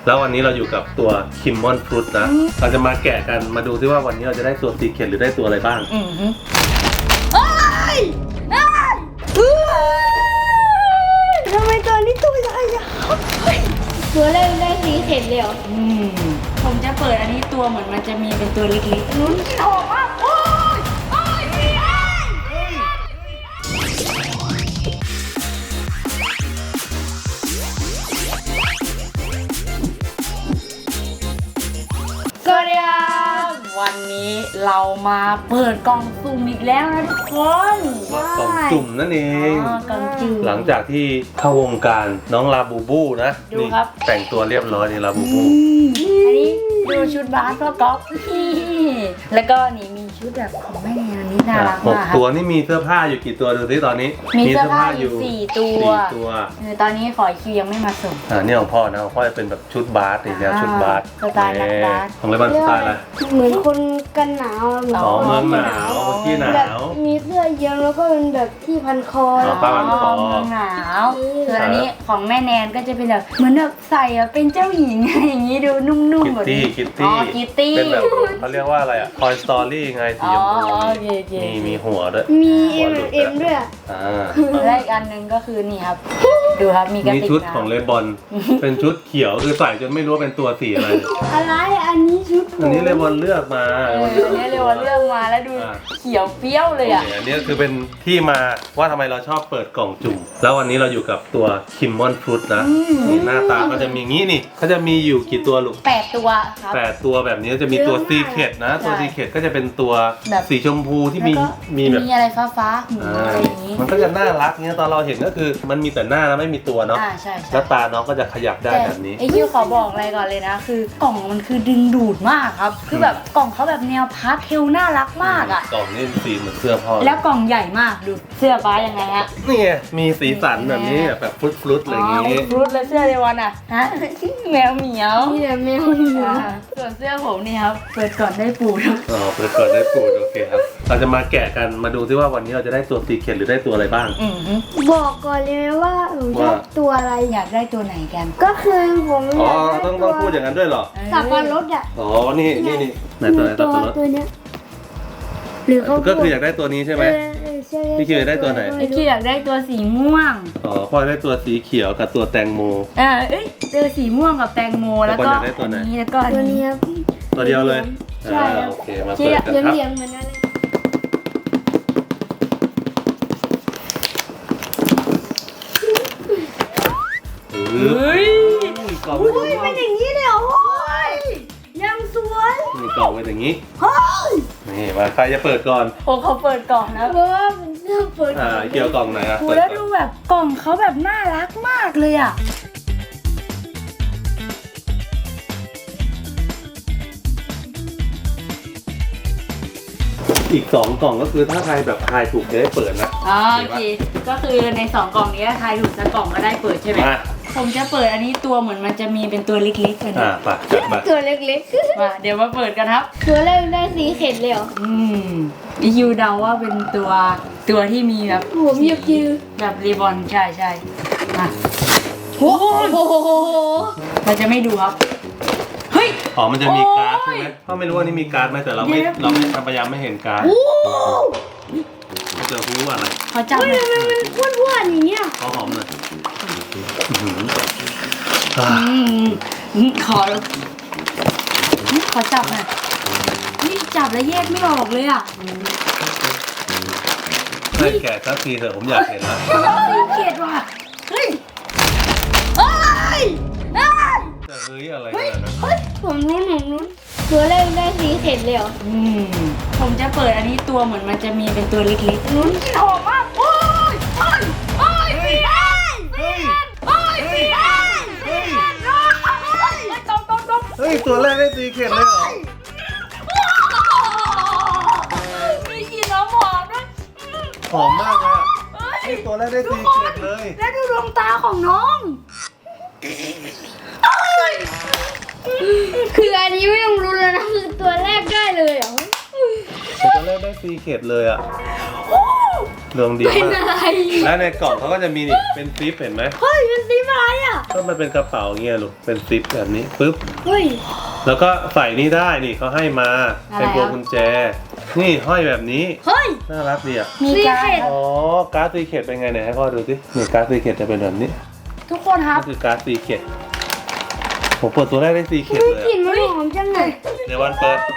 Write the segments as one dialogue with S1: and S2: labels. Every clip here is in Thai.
S1: แล้ววันนี้เราอยู่กับตัวคิมมอนฟรุตนะเราจะมาแกะกันมาดูซิว่าวันนี้เราจะได้ตัวซีเคร็ตหรือได้ตัวอะไรบ้าง
S2: ทำไมตอนนี้ตัวใหญ่อะตัวแรกได้ซีเคร็ตเลยเหรอ
S3: ผมจะเปิดอันนี้ตัวเหมือนมันจะมีเป็นตัวเล็กๆลุ้นออกมาโอ้ยสวัสดีครับวันนี้เรามาเปิดกล่องสุ่มอีกแล้วนะทุกคน
S1: กล่องจุ่มนั่นเอง
S3: กล่องจุ่ม
S1: หลังจากที่เข้าวงการน้องลาบูบูนะ
S3: ดูครับ
S1: แต่งตัวเรียบร้อยนี่ลาบูบู
S3: อันนี้ดูชุดบาสพ่อก๊อฟแล้วก็นี่มีชุดแบบของแม่แนนอันนี้น่ารัก
S1: หก
S3: มาก
S1: ตัวนี่มีเสื้อผ้าอยู่กี่ตัวดูสิตอนนี้
S3: มีเสื้อผ้าอยู่4 ตัว
S1: 4 ตัว
S3: ตอนนี้ขอคิวยังไม่มาส่ง
S1: นี่ของพ่อนะของพ่อจะเป็นแบบชุดบาสนี่แนวชุดบาส
S3: สไตล์นักบาส
S1: ของเลบันสไตล์อะไร
S2: เหมือนคนกันหนาวเหมือน
S1: อ๋อเมืองหนาวที่หนา
S2: แบบ
S1: ว
S2: มีเสื้อเยื้องแล้วก็เป็นแบบที่พันคอ
S1: อ๋อผ้าพันคอ
S3: เมืองหนาวส่วนอันนี้ของแม่แนนก็จะเป็นแบบเหมือนแบบใส่อะเป็นเจ้าหญิงอะไรอย่างนี้ดูนุ่มๆแบบนี้
S1: คิต
S3: อ๋
S1: ตี้
S3: อคิตตี้
S1: เป็นแบบเขาเรียกว่าอะไรอะคอยสตอรี่ไงสี
S3: อ๋อ
S1: ชมพู
S3: โอเค
S1: มีหัวด้วย
S2: มี
S1: หัวหลุด
S2: M ด้วยอะ
S3: และอีกอันหนึงก็คือนี่ครับ ดูครับมีกระ
S1: นี่
S3: ติก
S1: ชุด
S3: น้ำ
S1: ของเลบอน เป็นชุดเขียวคือใส่จนไม่รู้ว่าเป็นตัวสีอะไร
S2: อะไรอันนี้ชุด
S1: อันนี้เลบอนเลือกมา
S3: อันนี้เรียกว่าเรื่องมาแล้วดูเขียวเปรี้ยวเลยอ่ะ
S1: อันนี้คือเป็นที่มาว่าทำไมเราชอบเปิดกล่องจุ่มแล้ววันนี้เราอยู่กับตัวคิมมอนฟรุตนะนี่หน้าตาก็จะมีงี้นี่เขาจะมีอยู่กี่ตัวลูก
S3: 8 ตัวครับ
S1: 8 ตัวแบบนี้จะมีตัวซีเคร็ตนะตัว
S3: ใช่
S1: ซีเคร็ตก็จะเป็นตัว
S3: แบบ
S1: สีชมพูที่มี
S3: แล้วก็
S1: มีแบบ
S3: มีอะไรฟ้าๆหูอะไรอย่างนี้
S1: มันก็จะน่ารักเนี่ยตอนเราเห็นก็คือมันมีแต่หน้าแล้วไม่มีตัวเนาะ
S3: ใช่
S1: แล้วตาน้องก็จะขยับได้แบบนี้
S3: ไอคิวขอบอกอะไรก่อนเลยนะ คือกล่องมันคือดึงดูดมากครับ คือแบบกล่องเขาแบบแนวพาสเทลน่ารักมากอ่ะ
S1: กล่องนี่สีเหมือนเสื้อพ่อ
S3: แล้วกล่องใหญ่มากดูเสื้อฟ้ายังไงฮะ
S1: นี่ไงมีสีสันแบบนี้แบบฟรุตๆอะไรอย่างงี้
S3: ฟรุตแล้วเสื้อเดวันอ่ะฮะแมวเหมียว
S2: นี่แหละแมวเหมียว
S3: ส่วนเสื้อผมนี่ครับเปิดก่อนได้ปูครับ
S1: อ๋อเปิดได้ปูดโอเคครับเราจะมาแกะกันมาดูซิว่าวันนี้เราจะได้ตัวซีเคร็ตหรือได้ตัวอะไรบ้าง
S2: บอกก่อนเลยไหมว่าหนูชอบตัวอะไร
S3: อยากได้ตัวไหนกัน
S2: ก็คือผม
S1: อ๋อ
S2: อยากได้
S1: ต้องพูดอย่างนั้นด้วยเหรอ
S2: สับปะรดอ่ะ
S1: อ๋อนี่ไหนตัวไหนตัวรถ
S2: ตัวเนี้ยหรือเขา
S1: ก็คืออยากได้ตัวนี้ใช่ไหม
S2: ใช่
S1: พี่คิวอยากได้ตัวไหน
S3: ไอคิวอยากได้ตัวสีม่วง
S1: อ๋อพ่อได้ตัวสีเขียวกับตัวแตงโม
S3: เอ้ยตัวสีม่วงกับแตงโมแล้วก็
S1: แล้วบอลอยากได้ตัวไหน
S3: อันนี้แล้วก็อัน
S2: ตัว
S3: นี้
S2: นี้ครับ
S1: ตัวเดียวเลย
S2: ใช่ครับ
S1: โอเคมาเปิดกันครับ
S2: เหลี่ยมๆเหมือนกันเลย
S1: เฮ้ยกล่องเป็น
S2: เป็นอย่างนี้เลยเหรอโอ้ยยังสวย
S1: นี่กล่องเป็นอย่างนี้
S2: เฮ้ย
S1: นี่มาใครจะเปิดก่อน
S3: โอ้เขาเปิดกล่องนะ
S2: เพราะว่าเป็นเสื้อเปิด
S1: เกี่ยวกล่องไหนอะ
S3: โอ้
S1: เปิด
S3: แล้ว
S1: ก่
S3: ดู
S1: อน
S3: แบบกล่องเขาแบบน่ารักมากเลยอ่ะ
S1: อีก2 กล่องก็คือถ้าใครแบบทายถูกจะได้เปิดนะ
S3: โอเคก็คือใน2 กล่องนี้ทายถูกสักกล่องก็ได้เปิดใช่ไหม
S1: มา
S3: ผมจะเปิดอันนี้ตัวเหมือนมันจะมีเป็นตัวเล็กๆกันนะ
S1: ไปจัดมา
S2: ตัวเล็ก
S3: มาเดี๋ยวมาเปิดกันครับ
S2: ๆ ตัวแรกได้ซีเคร็ตเลยเหรอ
S3: อีคิวเดาว่าเป็นตัวที่มีแบบ
S2: ผมอยากยืน
S3: แบบรีบอนใช่มา
S2: โอ้โห
S3: เราจะไม่ดูครับเฮ้ย
S1: อ๋อมันจะมีการ์ด
S3: โอ้
S1: ใช่
S3: ย
S1: ไหมพ่อไม่รู้ว่านี่มีการ์ดไหมแต่เราไม่
S3: เดี๋ยว
S1: เราไม่พยายามไม่เห็นการ์ด
S2: โอ้
S1: จะรู้ว่าอะไร
S3: ขอจับหน่อย
S2: มันอ้วนๆอย่างเงี้ย
S1: ขอหอมหน่อย
S3: ขอจับหน่อยนี่จับแล้วแยกไม่ออกเลยอ่ะ
S1: ให้แกะสักทีเถอะผมอยากเห็นแล้ว
S3: สีเกลียดว่ะเฮ้ยเอ้ย
S1: จะเฮ้ยอะไรกันนะ
S2: ผมรู้ตัวแรกได้ซีเคร็ตเลยเหรอ
S3: ผมจะเปิดอันนี้ตัวเหมือนมันจะมีเป็นตัวเล็กๆลุ้นออกมาโอ้ยโอ้ยสีแดงโอ้ยสีแดงตบ
S1: เฮ้ยตัวแรกได้ซีเคร็ตเลยเหรอ
S3: มีกลิ่นน้ำหอมด้วย
S1: หอมมากเลยอะ
S3: เฮ้ย
S1: เฮ้ยตัวแรกได้ซีเคร็ตเลย
S3: แล้วดูดวงตาของน้อง
S2: คืออันนี้ไม่ต้องรู้แล้วนะคือตัวแรกได้เลยเหรอ
S1: ตัวแรกได้ซีเคร็ตเลยอ่ะดวงดี
S2: เป็น
S1: มาก
S2: อะไร
S1: และในกล่องเขาก็จะมีนี่เป็นซิปเห็นไหม
S2: เฮ้ยเป็นสีอะไรอ่ะ
S1: ก็มันเป็นกระเป๋าเงี้ยลูกเป็นซิปแบบนี้ปึ๊บ
S2: เฮ้ย
S1: แล้วก็ใส่นี่ได้นี่เขาให้มาเป็นพวงกุญแจ นี่ห้อยแบบนี้
S2: เฮ้ย
S1: น่ารักดีอ่ะ
S3: มีการ
S2: Secret
S1: อ๋อการ์ดซีเคทเป็นไงเนี่ยให้พ่อดูสินี่การ์ดซีเคทจะเป็นแบบนี้
S3: ทุกคนครับ
S1: นี่คือการ์ดซีเคทผมเปิดตัวแรกได้ซีเคท
S2: เฮ้ย
S1: เลย
S2: กลิ่นมันหอมจังเลย
S1: เดี๋ยววันเปิด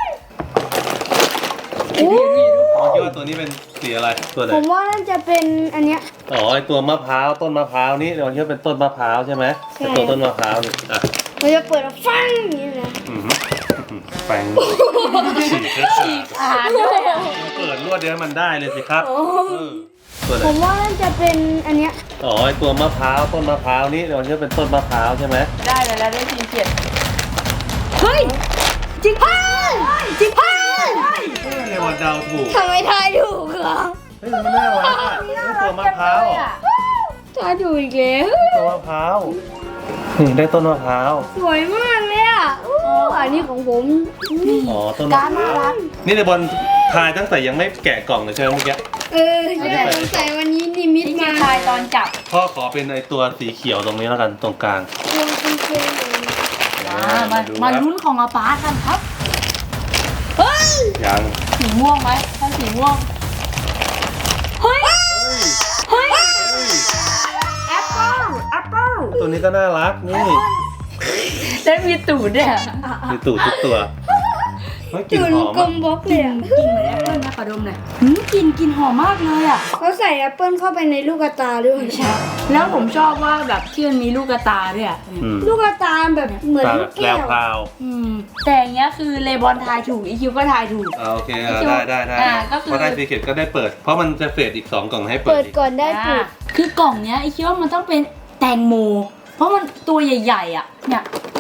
S2: โอ้
S1: พ่อคิดว่าตัวนี้เป็นสีอะไรตัวไหน
S2: ผมว่าน่าจะเป็นอันเนี้ย
S1: อ๋อไอตัวมะพร้าวต้นมะพร้าวนี่เดี๋ยววันคิดว่าเป็นต้นมะพร้าวใช่ไหม
S2: ใช่
S1: เป็นตัวต้นมะพร้าวนี่อ่ะ
S2: เราจะเปิดแล้วฟังอย่างนี้นะ
S1: อื้อหือแปลงฉีก
S3: อ่านด้วยอะ
S1: เปิดรวดเดียวให้มันได้เลยสิครับเออตัวไหน
S2: ผมว่าน่าจะเป็นอันเนี้ย
S1: อ๋อไอตัวมะพร้าวต้นมะพร้าวนี่เดี๋ยววันคิดว่าเป็นต้นมะพร้าวใช่ไหม
S3: ได้แล้วได้ทีเกียรติ
S2: เฮ้ยจริงเฮ้ยจริงเฮ้ย
S1: ในวันเดาถูก
S2: ทำไมทายถูกเหรอ
S1: เฮ้ยมันน่ารักอ่ะนี่ตัวมะพร้าวอ่ะ
S2: ทายถูกอีกแล้ว
S1: ตัวมะพร้าวนี่ได้ต้นมะพร้าว
S2: สวยมากเลยอ่ะอู้อันนี้ของผม
S1: อ๋อต้นมะ
S3: การ
S1: พ
S3: น่า
S1: ร้าว
S3: รัก
S1: นี่ในบอลทายตั้งแต่ยังไม่แกะกล่องเลยใช่ไหมเมื่อกี้
S2: ใช่สงสัยวันนี้นิมิต
S3: ที่
S2: มา
S3: ทายตอนจับ
S1: พ่อขอเป็นไอตัวสีเขียวตรงนี้แล้วกันตรงกลาง
S2: ตัวเป็นเกมเลย
S3: มา
S1: ดู
S3: มา
S1: ครับ
S3: ลุ้นของอาปากันครับ
S2: เฮ้ย
S1: ยัง
S3: สีม่วงไหมถ้าสีม่วง
S2: เฮ้ย เฮ้ย
S3: แอปเปิ้ลแอปเปิ้ล
S1: ตัวนี้ก็น่ารักนี่
S3: ได้มีตูดด้วยอะ
S1: มีตูดทุกตัวเฮ้ยกลิ่น
S2: ตุ่น
S1: หอม
S2: กล
S1: อะ
S2: มบล็อกเลยอะ
S3: กลิ่นเหมือนแอปเปิ้ลนะขอดมหน่อยกลิ่นหอมมากเลยอ่ะ
S2: เขาใส่แอปเปิลเข้าไปในลูกตาด้วย
S3: แล้วผมชอบว่าแบบที่มันมีลูกกระตาด้วยอ่ะ
S1: อืม
S2: ลูกตาแบบเหมือน
S1: ตา
S2: ลู
S1: แบ
S2: ก
S1: บแปล
S2: แก้
S1: ว
S2: ว
S1: พราว
S3: แต่อย่างเงี้ยคือเลบอนทายถูกอีคิวก็ทายถูก
S1: โอเค
S3: อีคิว
S1: ได้
S3: ก็คือ
S1: พอได้ซีเกตก็ได้เปิด เพราะมันจะเฟดอีก2กล่องให้เปิ
S2: เปิ
S1: ด
S2: ด
S1: อีก
S2: ก่อนได้ปุด
S3: คือกล่องเนี้ยอีคิวว่ามันต้องเป็นแตงโม เพราะมันตัวใหญ่ๆอ่ะเนี่ย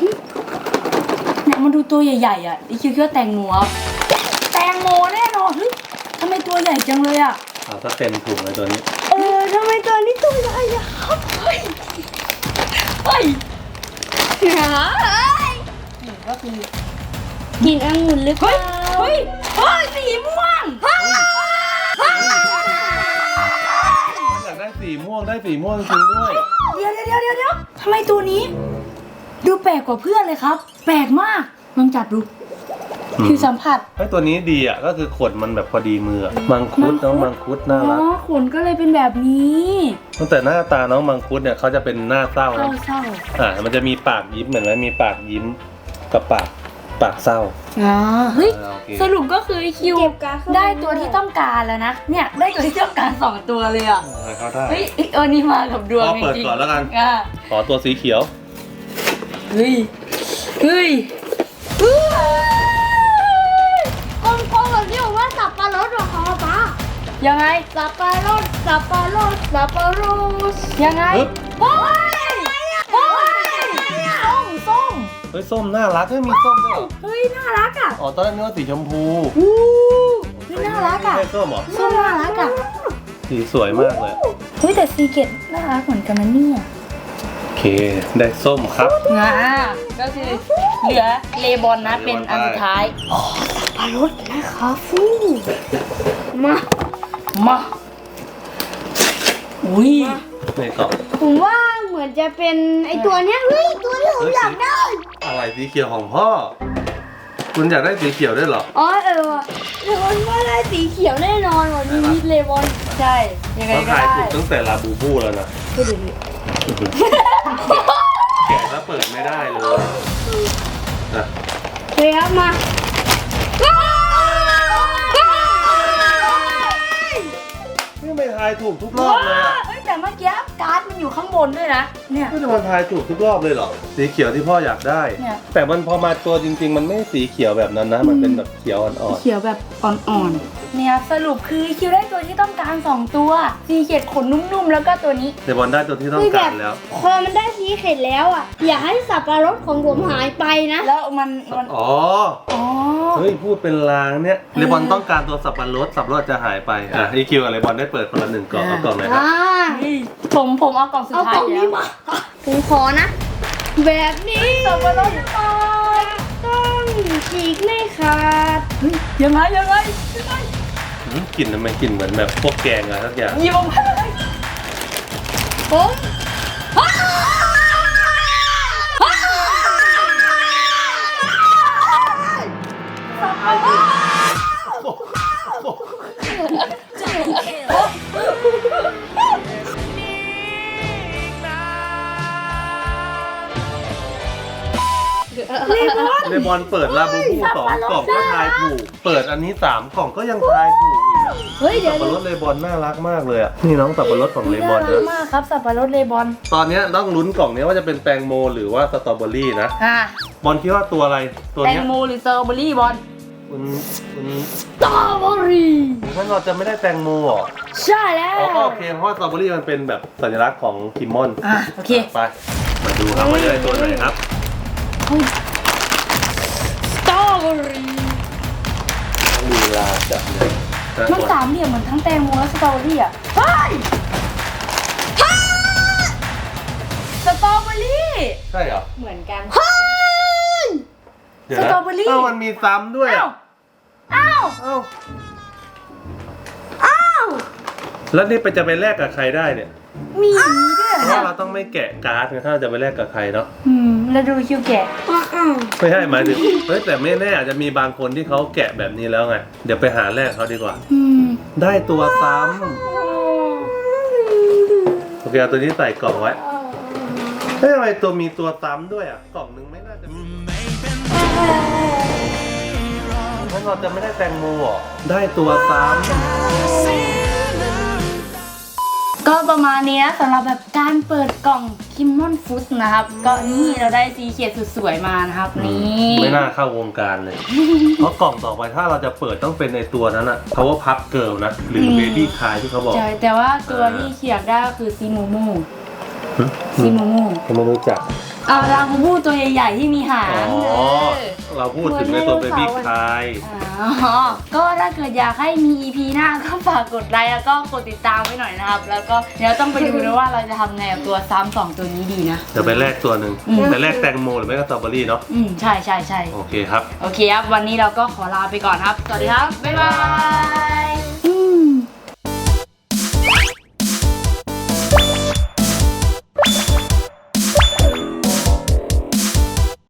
S3: มันดูตัวใหญ่ๆอ่ะอีคิวคิดว่าแตงโมครับแตงโมแน่นอนเฮ้ยทำไมตัวใหญ่จังเลยอ่ะ
S1: เอาถ้าเต็มถุงเลยตัวนี้
S2: ทำไมตัวนี้ตัวใหญ่อะครับ
S3: เฮ้ย นี่ก็คือ
S2: กินองุ่นหรือเปล่า
S3: เฮ้ยสีม่วง
S1: มันอยากได้สีม่วงได้สีม่วงจริงด้วย
S3: เดี๋ยวทำไมตัวนี้ ดูแปลกกว่าเพื่อนเลยครับ แปลกมากลองจับดูคือสัมผัส
S1: ไอ้ตัวนี้ดีอ่ะก็คือขนมันแบบพอดีมืออะมังคุดน้องมังคุดน่ารัก
S3: ขนก็เลยเป็นแบบนี้
S1: ตั้งแต่หน้าตาน้องมังคุดเนี่ยเขาจะเป็นหน้าเศร้านะ
S3: เศร้า
S1: มันจะมีปากยิ้มเหมือนไหมมีปากยิ้มกับปากเศร้า
S3: เฮ้ย
S1: โอเค
S3: สรุปก็คือคิว
S2: เก็บการ์ดเข้าป
S3: ได้ตัวที่ต้องการแล้วนะ เนี่ยได้ตัวที่ต้องการ2ตัวเลยอ่ะ
S1: เขาได้
S3: เฮ้ยเออนี่มากับดวง
S1: พ่อเปิด
S3: จริงๆ
S1: ก่อนแล้วกัน
S3: อ่ะ
S1: ขอตัวสีเขียว
S3: เฮ้ย
S2: กลมๆแบบนี้ผมว่าสับปะรดของเขาป้า
S3: ยังไง
S2: สับปะรดสับปะรดสับปะรด
S3: ยังไง
S1: ปึ๊บ
S3: โอ้ยส้ม
S1: เฮ้ยส้มน่ารักมีส้มด้วยเหรอ
S3: เฮ้ยน่ารักอ่ะ
S1: อ๋อตอนแรกนึกว่าสีชมพู
S3: เฮ้ยน่ารักอ่ะ
S1: ไม่ใช่ส้มเหรอ
S3: ส้มน่ารักอ่ะ
S1: สีสวยมากเลย
S3: เฮ้ยแต่ซีเกตน่ารักเหมือนกันนะเนี่ย
S1: โอเค ได้ส้มครับ
S3: ก็คือเหลือเลบอนนะเป็นอันสุดท้าย
S2: ปะรดนะคะฟูมา
S3: มาอุ้ย
S1: ในกล่อง
S2: ผมว่าเหมือนจะเป็นไอตัวเนี้ยเฮ้ยตัวที่ผมอยากได้
S1: อะไรสีเขียวของพ่อ คุณอยากได้สีเขียวด้วยเหรอ
S2: อ๋อว่ะเลบอนว่าได้สีเขียวแน่นอนว่ะมีมิดเลบอน
S3: ใช่ยังไง
S1: เขา
S3: ก็
S1: ถ่าย
S3: ได้
S1: ถูกตั้งแต่ลาบูบูแล้วนะ
S2: ก็ดูดิ
S1: แกะแล้วเปิดไม่ได้เลยอ่ะ
S2: เฮ้ยครับมา
S1: นี่ไม่ทายถูกทุกรอบเลยอ่ะ
S3: เฮ้ยแต่เมื่อกี้การ์ดมันอยู่ข้างบนด้วยนะ เนี่ย
S1: ไม่จะมาทายถูกทุกรอบเลยเหรอ สีเขียวที่พ่ออยากได้
S3: เนี่ย
S1: แต่มันพอมาตัวจริง ๆ มันไม่สีเขียวแบบนั้นนะ มันเป็นแบบเขียวอ่อน
S3: เขียวแบบอ่อนๆ เนี่ยสรุปคือคิวได้ตัวที่ต้องการ2ตัวซีเกตขนนุ่มๆ แล้วก็ตัวนี้
S1: ๆเดบอลได้ตัวที่ต้อง
S2: คือแบ
S1: การ
S2: บ
S1: แล้ว
S2: พอมันได้สีเข็ดแล้วอ่ะ อย่าให้สับปะรดของผมหายไปนะ
S3: แล้วมัน
S1: อ๋อ
S3: อ๋อ
S1: เฮ้ยพูดเป็นลางเนี่ยเดบอลต้องการตัวสับปะรดจะหายไป อ่ะอีคิวกับเดบอลได้เปิดคนละ1กล่องเอากล่องไหนครับ
S3: ผมเอากล่องสุด
S2: เอา
S3: ท้าย
S2: กล่องนี้มา ผมขอนะ แบบนี้
S3: สับปะรด
S2: ต้องฉีกไม่ขาด
S3: ยังไง
S1: กลิ่นมันกลิ่นเหมือนแบบพวกแกงอะไรสักอย่าง
S3: หยิบออกมาเลย
S2: ผม
S1: เลบอนเปิดลาบูบู2 กล่องก็ทายถูก เปิดอันนี้3 กล่องก็ยังทายถูกอีกอะ
S2: เฮ้ยเดี๋
S1: สั
S2: ย
S1: บ
S2: ว
S1: ปะรดเลบอนน่ารักมากเลยอ่ะนี่น้องสับปะรดของเลบอน
S2: น่ารั
S1: นะ
S2: กมากครับสับปะรดเลบอน
S1: ตอนเนี้ยต้องลุ้นกล่องนี้ว่าจะเป็นแตงโมหรือว่าสตรอเบอรี่นะ
S3: อ่ะ
S1: บอลคิดว่าตัวอะไรตัว
S3: แตง
S1: เนี้ย
S3: โมหรือสตรอเบอรี่บอล
S1: คุณ
S2: สตรอเบอรี่
S1: ท่านเราจะไม่ได้แตงโมเหรอ
S2: ใช่แล้ว
S1: อ๋อก็โอเคเพราะว่าสตรอเบอรี่มันเป็นแบบสัญลักษณ์ของคิมมอน
S3: อ่ะโอเค
S1: ไปมาดูครับว่าจะได้ตัวไหนครับ
S3: สตรอเบอรี่
S1: ลีลาจับเลยนะ
S3: มันสามเหลี่ยมเหมือนทั้งแตงโมและสตรอเบอรี่อ่ะเฮ้ยสตรอเบอรี่
S1: ใช่เหรอ
S3: เหมือนกัน
S1: เดี๋ยวนะ
S3: สตรอเบอรี่
S1: เอ้ามันมีซ้ำด้วย
S3: อ้าว
S1: อ่ะ
S3: อ้าว
S1: เอ้า
S3: อ้าว
S1: แล้วนี่ไปจะไปแลกกับใครได้เนี่ย
S3: มีอย่างนี้ด้วย
S1: เพ
S3: เหร
S1: ราะ
S3: อ
S1: ว่าเราต้องไม่แกะการ์ดไงถ้าเราจะไปแลกกับใครเนาะ
S3: แล้วดูคิวแกะ
S1: ไม่ใช่หมายถึงเฮ้ยแต่ไม่แน่อาจจะมีบางคนที่เขาแกะแบบนี้แล้วไงเดี๋ยวไปหาแลกเขาดีกว่า ได้ตัวซ้ำโอเคเอาตัวนี้ใส่กล่องไว้เฮ้ยทำไมตัวมีตัวซ้ำด้วยอ่ะกล่องนึงไม่น่าจะมีถ้าเราจะไม่ได้แตงโมเหรอได้ตัวซ้ำ
S3: ก็ประมาณนี้นะสำหรับแบบการเปิดกล่องคิมมอนฟุตนะครับ ก็นี่เราได้ซีเคียดสุดสวยมานะครับ นี่
S1: ไม่น่าเข้าวงการเลย เพราะกล่องต่อไปถ้าเราจะเปิดต้องเป็นในตัวนั้นอะ Power Puff Girl นะ หรือ Baby Kai ที่เขาบอก
S3: ใช่แต่ว่าตัวที่เขียนได้ก็คือซีมูมู
S1: หึ
S3: ซีมูมู
S1: ผมไม่รู้จัก
S3: เอาลาบูบูตัวใหญ่ๆที่มีหาง
S1: อ๋อ เราพูดถึงในตัว Baby Kai
S3: อ๋อก็ถ้าเกิดอยากให้มี EP หน้าก็ฝากกดไลค์แล้วก็กดติดตามไว้หน่อยนะครับ แล้วก็เดี๋ยวต้องไปดูนะว่าเราจะทำไงกับตัวซ้ำ2ตัวนี้ดีนะ
S1: เดี๋ยวไปแลกตัวหนึ่ง
S3: อืม
S1: ไปแลกแตงโมหรือไม่ก็สตรอเบอรี่เนาะ
S3: ใช่ใช่ใช่
S1: โอเคครับ
S3: โอเคครับ วันนี้เราก็ขอลาไปก่อนครับ สวัสดีครับ บ๊ายบาย